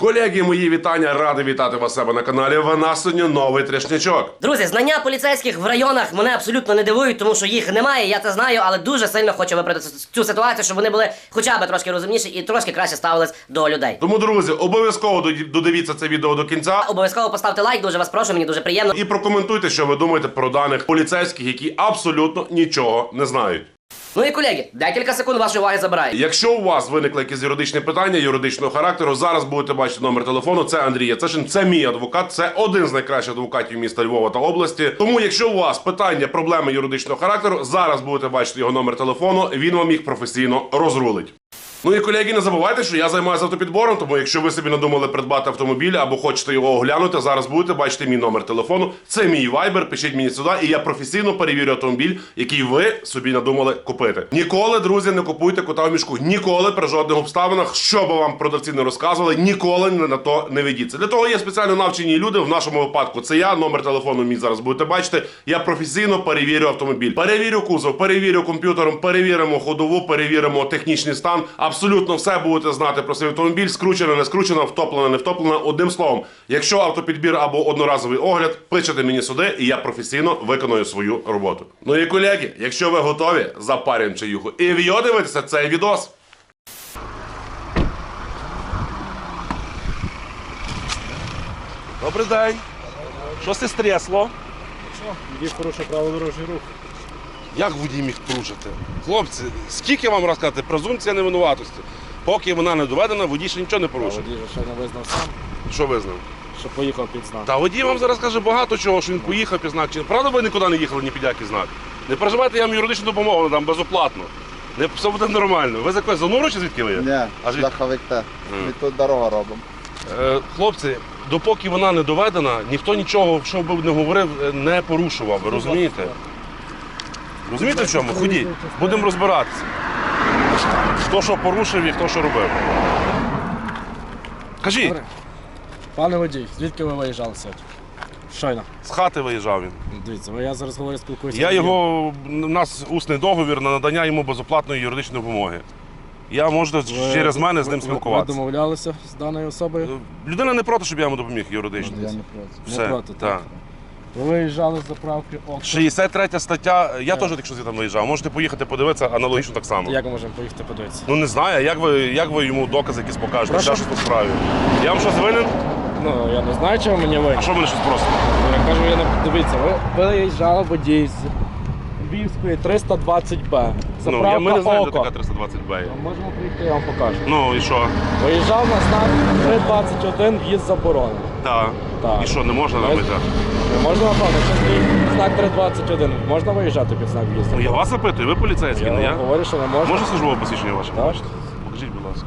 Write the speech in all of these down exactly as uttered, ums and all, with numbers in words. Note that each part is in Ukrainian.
Колеги, мої вітання, радий вітати вас у себе на каналі. В нас сьогодні новий трешнячок. Друзі, знання поліцейських в районах мене абсолютно не дивують, тому що їх немає, я це знаю, але дуже сильно хочу виправити цю ситуацію, щоб вони були хоча б трошки розумніші і трошки краще ставились до людей. Тому, друзі, обов'язково додивіться це відео до кінця. Обов'язково поставте лайк, дуже вас прошу, мені дуже приємно. І прокоментуйте, що ви думаєте про даних поліцейських, які абсолютно нічого не знають. Ну і колеги, декілька секунд вашої уваги забираю. Якщо у вас виникли якісь юридичні питання, юридичного характеру, зараз будете бачити номер телефону. Це Андрій Яцешин, це мій адвокат, це один з найкращих адвокатів міста Львова та області. Тому, якщо у вас питання, проблеми юридичного характеру, зараз будете бачити його номер телефону, він вам їх професійно розрулить. Ну і, колеги, не забувайте, що я займаюся автопідбором, тому якщо ви собі надумали придбати автомобіль або хочете його оглянути, зараз будете бачити мій номер телефону. Це мій вайбер, пишіть мені сюди, і я професійно перевірю автомобіль, який ви собі надумали купити. Ніколи, друзі, не купуйте кота в мішку. Ніколи, при жодних обставинах, що би вам продавці не розказували, ніколи на то не ведіться. Для того є спеціально навчені люди, в нашому випадку це я, номер телефону мій зараз будете бачити. Я професійно перевірю автомобіль. Перевірю кузов, перевірю комп'ютером, перевіримо ходову, перевіримо технічний стан. Абсолютно все будете знати про свій автомобіль, скручено, не скручено, втоплено, не втоплено. Одним словом, якщо автопідбір або одноразовий огляд, пишете мені сюди, і я професійно виконую свою роботу. Ну і, колеги, якщо ви готові, запарюємо чаюху і вйо дивитися цей відос. Добрий день. Що це стрясло? Водій порушив правила дорожнього руху. Як водій міг порушити? Хлопці, скільки вам розказати? Презумпція невинуватості. Поки вона не доведена, водій ще нічого не порушив. Водій же ще не визнав сам, Що визнав? що поїхав під знак. Та водій вам зараз каже багато чого, що він поїхав під знак. Чи правда ви нікуди не їхали, ні під який знак? Не переживайте, я вам юридичну допомогу надам безоплатно. Не, все буде нормально. Ви з якої Зануру чи звідки ви є? Ні, А звідки? шляховик те. Ми тут дорогу робимо. Е, хлопці, допоки вона не доведена, ніхто нічого, що би не говорив, не порушував. Ви розумієте? Розумієте в чому? Ходіть, будемо розбиратися. Хто що порушив і хто що робив. Кажіть, Добре. Пане водій, звідки ви виїжджали сьогодні? Щойно. з хати виїжджав він. Дивіться, я зараз говорю, спілкуюся. Я з водієм. його, у нас усний договір на надання йому безоплатної юридичної допомоги. Я можу Ви- через мене з ним ви- спілкуватися. Ви домовлялися з даною особою? Людина не проти, щоб я йому допоміг юридично. Я не проти. Все, Не проти, так. так. Ви виїжджали з заправки ОК. шістдесят третя стаття, я теж якщо звідти виїжджав, можете поїхати подивитися аналогічно так само. Як ми можемо поїхати подивитися? Ну не знаю, а як ви, як ви йому докази якісь покажете, Прошу? ще щось по справі. Я вам щось винен? Ну, я не знаю, чого мені винні. А що мене щось просите? Я кажу, я не дивіться, ви виїжджали водій з Львівської триста двадцять Б. Ну, Заправка я, ми не знаємо, де ОКО. така триста двадцять Б. Можемо прийти, я вам покажу. Ну і що? Виїжджав на знак три двадцять один, в'їзд заборонений. Так. Так. І що, не можна нам Ми- виїжджати? Не можна, напевно, якщо стоїть знак три двадцять один, можна виїжджати під знак в'їзду? Ну я вас запитую, ви поліцейський, Я не я? говорю, що не можна. Може службове посвідчення ваше? Так. Можете? Покажіть, будь ласка.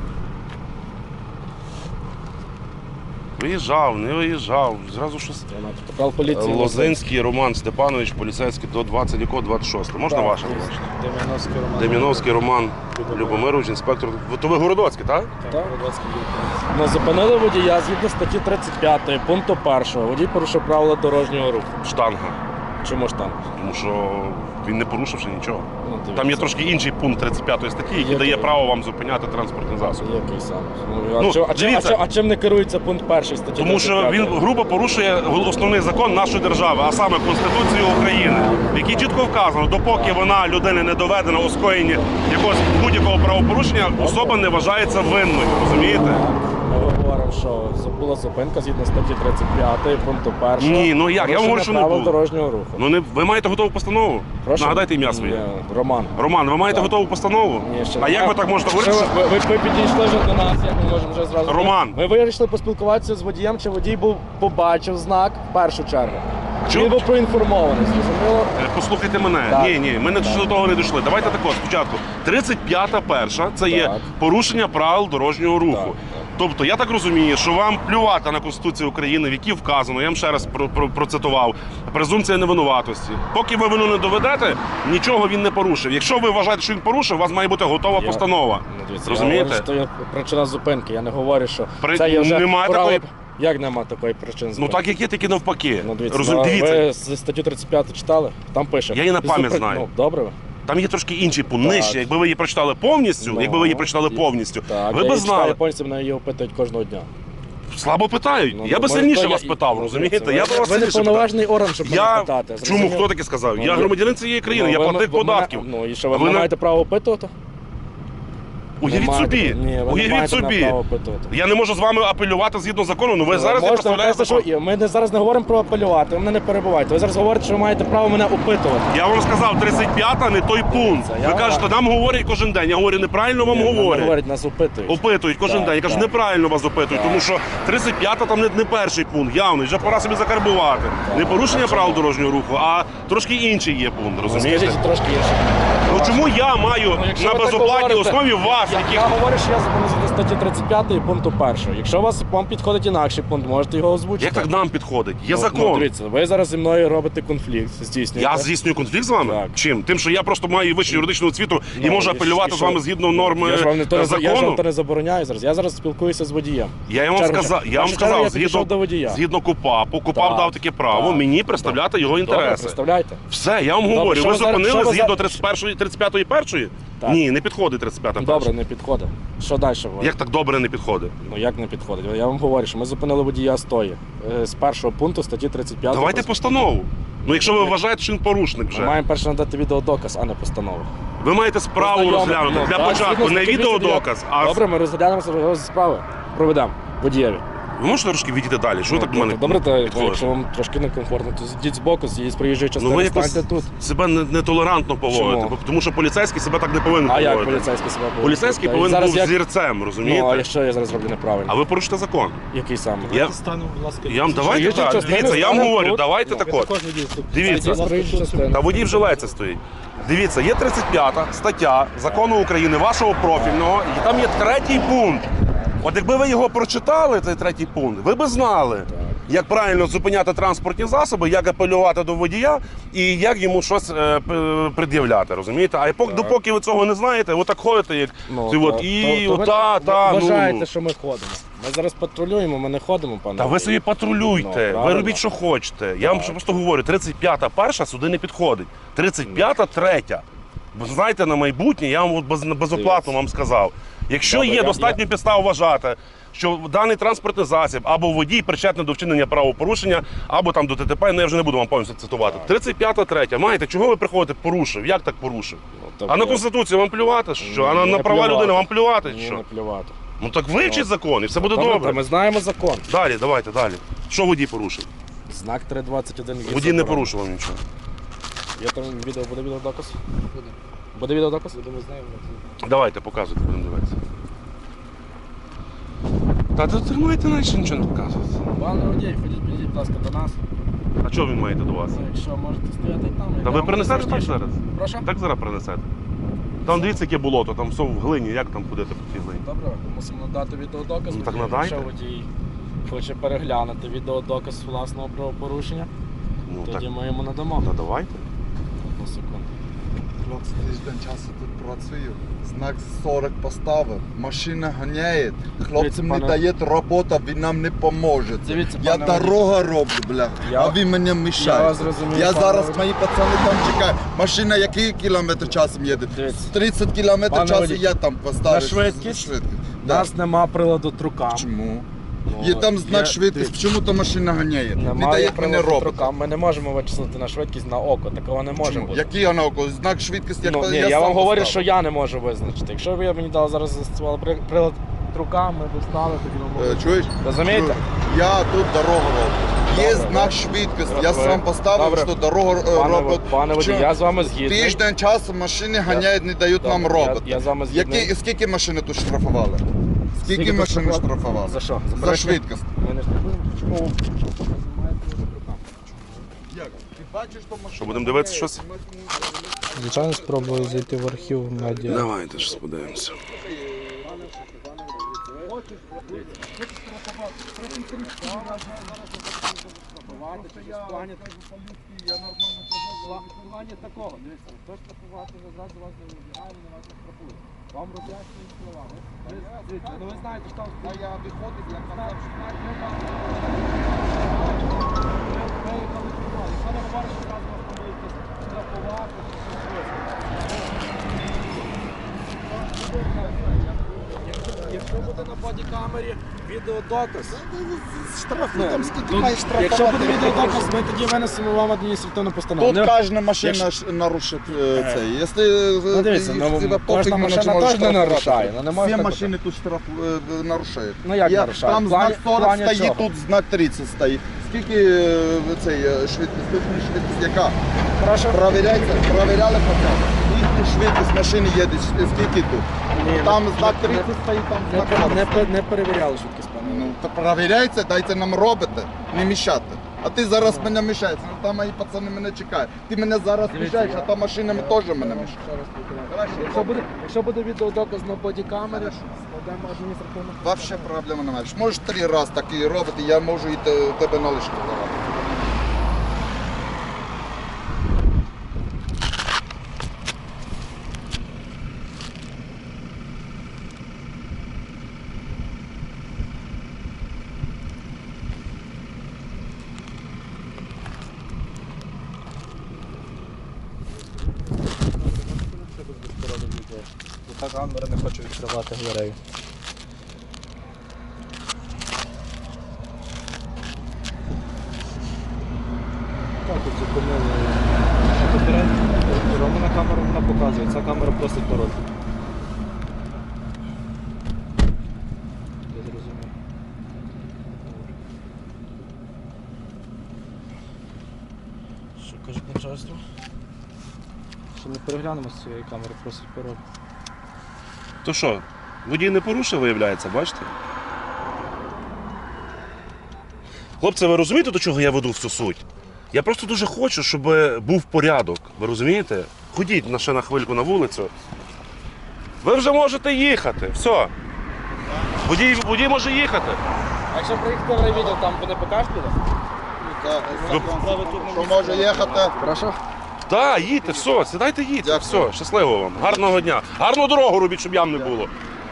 Виїжджав, не виїжджав, зразу щось. Це на протокол поліції. Лозинський Роман Степанович, поліцейський до двадцять якого двадцять шостого. Можна Так, ваше? дійсно. Дем'яновський Роман. Деміновський Роман Любомирович, інспектор. Ви- То ви Городоцький, так? Так, ну, зупинили водія згідно статті тридцять п'ять, пункту першого. Водій порушив правила дорожнього руху. Штанга. Чому ж там? Тому що він не порушивши нічого. Ну, дивіться. Там є трошки інший пункт тридцять п'ятої статті, який Є дає такий. право вам зупиняти транспортний засіб. Який саме? Ну, а, Ну, чим, а, чим, а, дивіться. чим, а чим не керується пункт перший статті Тому що тридцять п'ять? він грубо порушує основний закон нашої держави, а саме Конституцію України, в якій чітко вказано, допоки вона людини не доведена у скоєнні якогось будь-якого правопорушення, особа не вважається винною. Розумієте? Ми говоримо, що була зупинка згідно статті тридцять п'ять, пункту першого. Ні, ну як? Я вам говорю, що не правил було. дорожнього руху. Ну не ви маєте готову постанову? Прошу? Нагадайте ім'я своє. Ні, Роман. Роман, ви маєте Так. готову постанову? Ні, ще а не як маю. ви так можете Що говорити? Ви, ви, ви підійшли вже до нас, як ми можемо вже зразу. Роман. Ми вирішили поспілкуватися з водієм, чи водій був побачив знак в першу чергу. Чи Чому? він був проінформований, зрозуміло? Е, Послухайте мене. Так. Ні, ні, ми не до того не дійшли. Давайте тако, спочатку. тридцять п'ята перша це є Так. порушення правил дорожнього руху. Так, так. Тобто я так розумію, що вам плювати на Конституцію України, в якій вказано, я вам ще раз про, про, процитував, презумпція невинуватості. Поки ви вину не доведете, нічого він не порушив. Якщо ви вважаєте, що він порушив, у вас має бути готова Я- постанова. Ну, дивіться, Розумієте? Я говорю, що є причина зупинки. Я не говорю, що При- це є вже немає право- такої- Як нема такої причини Ну зупинки? так як є, так і навпаки. Ну, дивіться, Розум... ну, Дивіться, ви з статтю тридцять п'ять читали? Там пише. Я її на пам'ять Зупин- знаю. Ну, добре ви? там є трошки інший пункт, Так. нижче. Якби ви її прочитали повністю, Ну, якби ви її прочитали і- повністю, Так, ви я б її знали. читаю повністю, мене її опитують кожного дня. Слабо питають. Ну, я би може, сильніше то вас я- питав, ну, розумієте? ви- Я би вас ви не сильніше питав. повноважний орган, щоб Я... мене питати. Чому? зрозумів? Хто таке сказав? Ну, я ви- громадянин цієї країни, Ну, я ви- платник ви мене- податків. Ну і що, ви А ви не не- маєте право опитувати? Уявіть Не маєте- собі, Ні, ви не уявіть маєте собі. права опитувати. Я не можу з вами апелювати згідно закону, ну ви зараз не Можете, ви представляєте кажете, закон. що ми не, зараз не говоримо про апелювати, ви мене не перебувайте. Ви зараз говорите, що ви маєте право мене опитувати. Я вам сказав, тридцять п'ята не той пункт. я Ви вам- кажете, нам говорять кожен день. Я говорю, неправильно вам Ні, нам не говорять. говорять, нас опитують. Опитують кожен Так, день. Я кажу, так. неправильно вас опитують, тому що тридцять п'ята там не, не перший пункт, явний. Вже пора собі закарбувати. Не порушення правил дорожнього руху, а трошки інший є пункт, Ну, розумієте? скажіть трошки інше. Ну чому я маю Ну, якщо на ви так безоплатній говорите, основі вас, Я, яких я говорю, що я закону згідно статті тридцять п'ятої пункту першого. Якщо у вас вам підходить інакший пункт, можете його озвучити. як так нам підходить? Є Ну, закон. Ну, дивіться, ви зараз зі мною робите конфлікт, здійснюєте. Я здійснюю конфлікт з вами? Так. Чим? Тим, що я просто маю вищу юридичну освіту і Ну, можу і апелювати що? з вами згідно норм Я ж вам не то е, не за- я ж вам закону. то не забороняю зараз. Я зараз спілкуюся з водієм. Я вам В чергу- сказав, я вам в чергу сказав, я підійшов згідно, до водія. згідно КУПАПу, КУПАП Так, дав таке право так. мені представляти його Добре, інтереси. представляйте. Все, я вам Добре, говорю. що Ви ви зараз- зупинили що ви згідно за- тридцять першої, тридцять п'ятої першої? Так. Ні, не підходить тридцять п'ята перша. Добре, не підходить. Що далі говорить? Як так добре не підходить? Ну як не підходить? Я вам говорю, що ми зупинили водія стої е, з першого пункту статті тридцять п'ять. Давайте постанову. Ну якщо ви вважаєте, що він порушник Ми вже. маємо перше надати відеодоказ, а не постанову. Ви маєте справу Познайомити. розглянути. Ну, Для так, початку згідно не статті відеодоказ, а Добре, ми розглянемо розгляд справи. Проведемо водієві. ви можете трошки відійти далі? Що так до мене? Добре, то підходите? якщо вам трошки некомфортно, то зійдіть з боку, з'їдь з проїжджої Ну частини, ви якось станьте тут. себе не- нетолерантно поводите, Чому? бо- тому що поліцейський себе так не повинен А як поводити. поліцейський себе поводить? Поліцейський Та, повинен зараз був як- зірцем, Ну, а розумієте? якщо я зараз роблю неправильно? А ви порушите закон. Який саме? Я, Стану, будь ласка, я вам давайте Проїжджа так. частина, Дивіться, я вам станемо говорю, тут. давайте Ну, так ви от. також відійдете. Дивіться. Будь ласка, Проїжджа тут частина. Та водій вже леється стоїть. Дивіться, є тридцять п'ята стаття закону України, вашого профільного, і там є третій пункт. От якби ви його прочитали, цей третій пункт, ви б знали, як правильно зупиняти транспортні засоби, як апелювати до водія і як йому щось е, п- пред'являти, розумієте? А поки, допоки ви цього не знаєте, ви так ходите, як Ну, ці то- от, і то- то ви ота, та, ну. вважаєте, що ми ходимо. Ми зараз патрулюємо, ми не ходимо, пане. Та ви водій. собі Ну, патрулюйте, ви правильно. робіть, що хочете. Я вам просто говорю, тридцять п'ята перша сюди не підходить. тридцять п'ята третя. Бо знаєте, на майбутнє я вам от без, безоплатно вам сказав. Якщо Добре, є я- достатньо підстав вважати, що даний транспортний засіб або водій причетний до вчинення правопорушення, або там до ТТП, ну я вже не буду вам повністю цитувати. тридцять п'ята третя. Маєте, чого ви приходите? Порушив. Як так порушив? Ну, А на тобто- Конституцію вам плювати? Що? А на, Ні, на не права плювати. людини вам плювати? Ні, Що? не плювати. Ну так вивчіть закон і все буде Добре, добре. та ми знаємо закон. Далі, давайте, далі. Що водій порушив? Знак три двадцять один. є Водій не заборонено. порушував нічого. Є там відео, буде відеодоказ? Буде. Буде відеодоказ? Будемо знаємо. Давайте, показуйте, будемо дивитися. Та тут тримайте, наче нічого не показувати. Пане водій, ходіть, підійдіть, будь ласка, до нас. А чого він маєте до вас? Ну, Якщо можете стояти там. Та ви принесете так зараз? Прошу? Так зараз принесете. Там дивіться, яке болото, там все в глині, як там ходити по цій глині? Добре, мусимо надати відеодоказ. Ну, так водію. надайте. Якщо водій хоче переглянути відеодоказ власного правопорушення, Ну так, тоді ми йому надамо. та давайте. Одну секунду. Хлопці тиждень часу тут працюю. Знак сорок поставив. Машина ганяє. Хлопцям Дивіться, не пане- дає робота, він нам не поможе. Дивіться, Я пане дорога роблю, бля. Я- А ви мені Я мішаєте. вас зрозумів, Я пане зараз, водій. мої пацани там чекають. Машина який кілометр часом їде? Дивіться. тридцять кілометрів Пане часу водій, я там поставлю. на швидкість? швидкість. У Да. нас нема приладу трукам. Чому? Ну, Є там знак є- швидкість, дивіться. чому то машина ганяє? Не Немає дає мені приладу робота. трукам. Ми не можемо вичислити на швидкість на око. Такого не може Чому? бути. Який вона около? Знак швидкості, як Ну, ні, я, я сам вам говорю, поставив. що я не можу визначити. Якщо ви мені дали зараз застосували при- прилад трукам, ми б стали, тоді ми Е, могли. Чуєш? Розумієте? Чую. Я тут дорогу роблю. Є Добре, знак добре. швидкості. Я Добре. сам поставив, Добре. що дорогу е, Пане, робить. пане водій, Чому? я з вами згідний. Тиждень часу машини ганяють, не дають Добре, нам я- роботи. я з вами згідний. Які, скільки машини тут штрафували? Скільки, Скільки машин тут штрафували? За що? За перевищення? швидкість. Ми не штрафуємо. Чому? Як? Ти бачиш, що машина... Що, будемо дивитися щось? Звичайно, спробую зайти в архів медіа. Давайте ж подивимося. Плані такого, дивіться, хто штрафувати зразу вас не вибігає, не вас не штрафує. Вам роз'яснюють слова. Ви, дивіться, ну ви знаєте, що там А я виходив, я казав, що... виїхали сюди. Якщо не говориш, що зразу вас там будуть штрафувати, чи щось висити. Якщо буде на бодікамері Відеодоказ. Штраф, Ну, там скільки тут, маєш штрафувати? якщо буде відеодоказ, ми тоді винесемо вам адміністративну постанову. Тут Не- кожна машина якщо- ж нарушить е, це. Якщо Ну, дивіться, е, ну, тебе кожна пофіг, мене машина чи можеш теж не штрафувати. нарушає, ну, не можна Всі так машини тут штраф е, нарушають. Ну, як Я- нарушають? Там В плані- знак сорок в плані стоїть, чого? тут знак тридцять стоїть. Скільки е, цей е, швидкість, точна швидкість яка? Прошу. Провіряйте, провіряли хоча б. Скільки швидкість машини їде, скільки тут? Ні, Там не- знак не- тридцять стоїть, там Не, знак пер- сорок. не, пер- не перевіряли швидкість, пане. Ну, то провіряйте, дайте нам робити, не мішати. А ти зараз мене мішаєш, ну там мої пацани мене чекають. Ти мене зараз мішаєш, а там машинами теж мене мішають. Якщо буде, якщо буде відеодоказ на бодікамері, складемо адміністративну. Вообще проблеми немає. Можеш три рази так і робити, я можу і те- тебе на лишку давати. Та камера не хоче відкривати дверей. Так, тут зупинили. Романа камера вона показує, ця камера просить пароль. Я зрозумів. Що каже начальство? Що не переглянемо з цієї камери, просить пароль. То що, водій не порушив, виявляється, бачите? Хлопці, ви розумієте, до чого я веду всю суть? Я просто дуже хочу, щоб був порядок. Ви розумієте? Ходіть на ще на хвильку на вулицю. Ви вже можете їхати. Все. Водій, водій може їхати. А якщо приїхати в райвідділ, там буде покаж буде? Так, що може їхати? Прошу. Так, їдьте, все, сідайте, їдьте. Дякую. Все, щасливо вам. Гарного дня. Гарну дорогу робіть, щоб ям не було.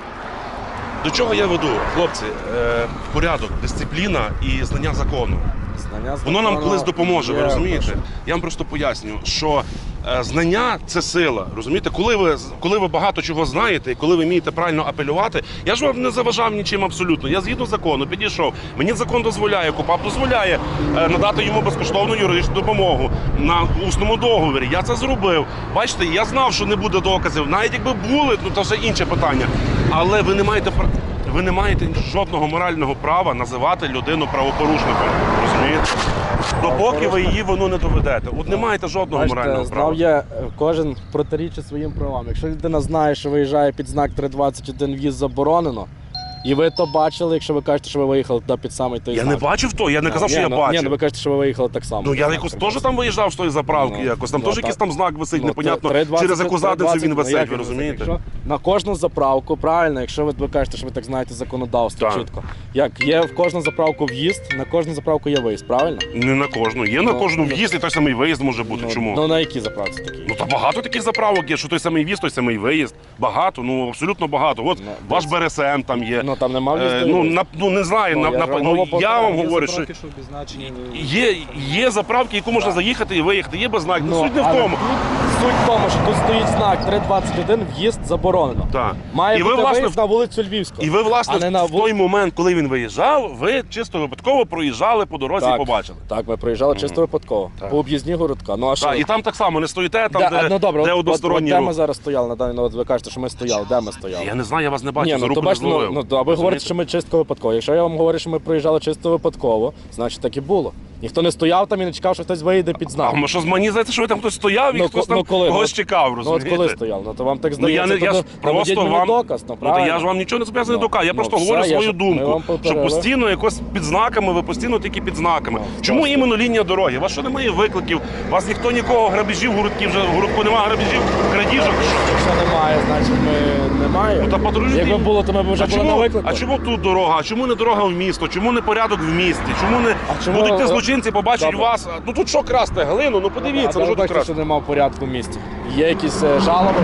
До чого я веду? Хлопці, е, порядок, дисципліна і знання закону. Знання Воно нам закону колись допоможе, ви є, розумієте? прошу. Я вам просто поясню, що е, знання це сила. Розумієте, коли ви, коли ви багато чого знаєте і коли ви вмієте правильно апелювати, я ж вам не заважав нічим абсолютно. Я згідно закону підійшов. Мені закон дозволяє, КУПАП дозволяє е, надати йому безкоштовну юридичну допомогу на усному договорі. Я це зробив. Бачите, я знав, що не буде доказів. Навіть якби були, ну це вже інше питання. Але ви не маєте пр- ви не маєте жодного морального права називати людину правопорушником. Розумієте? Допоки ви її воно не доведете. От не маєте жодного морального Бачите, права. знав я, е, кожен протирічить своїм правам. Якщо людина знає, що виїжджає під знак три двадцять один в'їзд заборонено, і ви то бачили, якщо ви кажете, що ви виїхали туди під самий той Я знак. не бачив то, я не казав, Ні, що я ну, бачив. Ні, ну ви кажете, що ви виїхали так само. Ну я Так, якось так, теж там виїжджав з тої заправки, Ну, якось там ну, теж так. якийсь там знак висить, Ну, непонятно, три двадцять, через яку три задницю двадцять, він ну, висить, як ви він висить? розумієте? Якщо на кожну заправку, правильно, якщо ви, ви кажете, що ви так знаєте законодавство Так. чітко. Як є в кожну заправку в'їзд, на кожну заправку є виїзд, правильно? Не на кожну. Є на Ну, кожну ну, в'їзд і той самий виїзд може бути. Ну, Чому? Ну на якій заправці такі? Ну та багато таких заправок є, що той самий в'їзд, той самий виїзд. Багато, ну абсолютно багато. От Ну, ваш десь- Б Р С М там є. Ну там нема в'їзду. Е, і ну, виїзду. на, ну не знаю, Ну, на, я на, ж вам ну, говорю, я вам є говорю, що заправки, що обізначені. є, є заправки, яку можна заїхати і виїхати. Є без знаків. Ну, Суть не в але тому. тут Суть в тому, що тут стоїть знак три двадцять один, в'їзд заборонено. Так. Має І ви, бути власне, виїзд на вулицю Львівську. І ви, власне, а не на в той момент, коли він виїжджав, ви чисто випадково проїжджали по дорозі Так. і побачили. Так, ми проїжджали чисто випадково. Так. По об'їзні городка. Ну а що? Так, і там так само не стоїте, там, Де- де, ну, добре, де от- односторонній от, от, де рух. ми зараз стояли на даний, ну, от ви кажете, що ми стояли. Де ми стояли? Я не знаю, я вас не бачу, Ні, за ну, руку то не бачите, ну, зловив. ну, то, а ви говорите, що ми чисто випадково. Якщо я вам говорю, що ми проїжджали чисто випадково, значить так і було. Ніхто не стояв там і не чекав, що хтось виїде під знак. А ми що, мені здається, що ви там хтось стояв і Ну, хтось ко- ну, там коли? когось Ну, чекав, Ну от розумієте? коли стояв, ну то вам так Ну, я, здається, не, я то ж наведіть просто мені вам... доказ, ну Ну, та правильно. я ж вам нічого не зобов'язаний Ну, доказу, я ну, просто все, говорю я свою ж- ми вам думку, що повторили. постійно якось під знаками, ви постійно тільки під знаками. Ну, Чому просто. іменно лінія дороги? У вас що немає викликів? У вас ніхто нікого грабежів, городків, вже в городку немає грабежів, крадіжок? Що? Якщо немає, значить ми немає. Ну, та патрулюйте. Якби було, то ми б вже А були на чому, виклику. а чому тут дорога? А чому не дорога в місто? Чому не порядок в місті? Чому не А чому- будуть ті злочинці, побачать Добре. вас? Ну тут що красти? Глину? Ну подивіться, а ну ви що тут бачите, красти? що немає порядку в місті. Є якісь е, жалоби?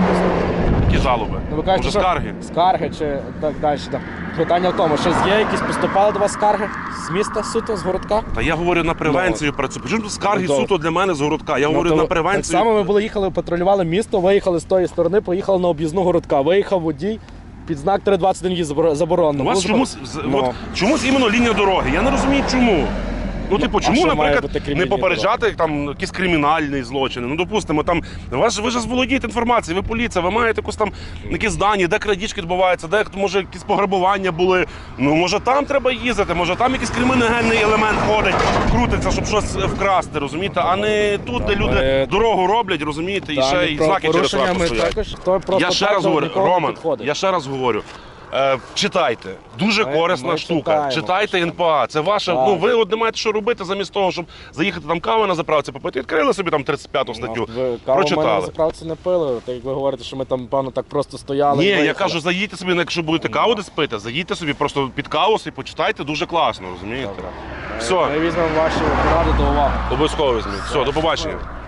Які жалоби? Ну, ви кажете, Може що скарги? Скарги чи так далі. Так. Питання в тому, що є якісь поступали до вас скарги з міста суто, з городка? Та я говорю на превенцію працюю. Причому тут скарги Ну, то- суто для мене з городка. Я говорю Ну, на то превенцію. Так само ми були їхали, патрулювали місто, виїхали з тої сторони, поїхали на об'їзну городка. Виїхав водій, під знак три двадцять один в'їзд заборо- заборонено. У вас Ну, чомусь, з- ну. от, чомусь іменно лінія дороги. Я не розумію, чому. Ну, типу, а чому, що має наприклад, бути не кримінальні попереджати там якісь кримінальні злочини? Ну, допустимо, там ви ж ви ж володієте інформацією, ви поліція, ви маєте якусь там якісь дані, де крадіжки відбуваються, де може якісь пограбування були. Ну, може, там треба їздити, може там якийсь криміногенний елемент ходить, крутиться, щоб щось вкрасти, розумієте? А не тут, де люди Ми- дорогу роблять, розумієте, і Та, ще ну, й знаки через правопорушення трасу ми стоять. також, то просто Я ще так раз до говорю, нікого не Роман, підходить. я ще раз говорю. Е, читайте, дуже Ми- корисна ми штука. читаємо, Читайте точно. ен пе а. Це ваше. Так. Ну ви от не маєте що робити замість того, щоб заїхати там кави на заправці попити. Відкрили собі там тридцять п'яту статтю. Ну, ви каву в мене на прочитали. заправці не пили, так як ви говорите, що ми там, певно, так просто стояли. Ні, і я виїхали. кажу, заїдьте собі, якщо будете каву десь пити, заїдьте собі просто під каву і почитайте дуже класно, розумієте? Добре. Все, Ми візьмемо ваші поради до уваги. обов'язково візьміть. Все, до побачення.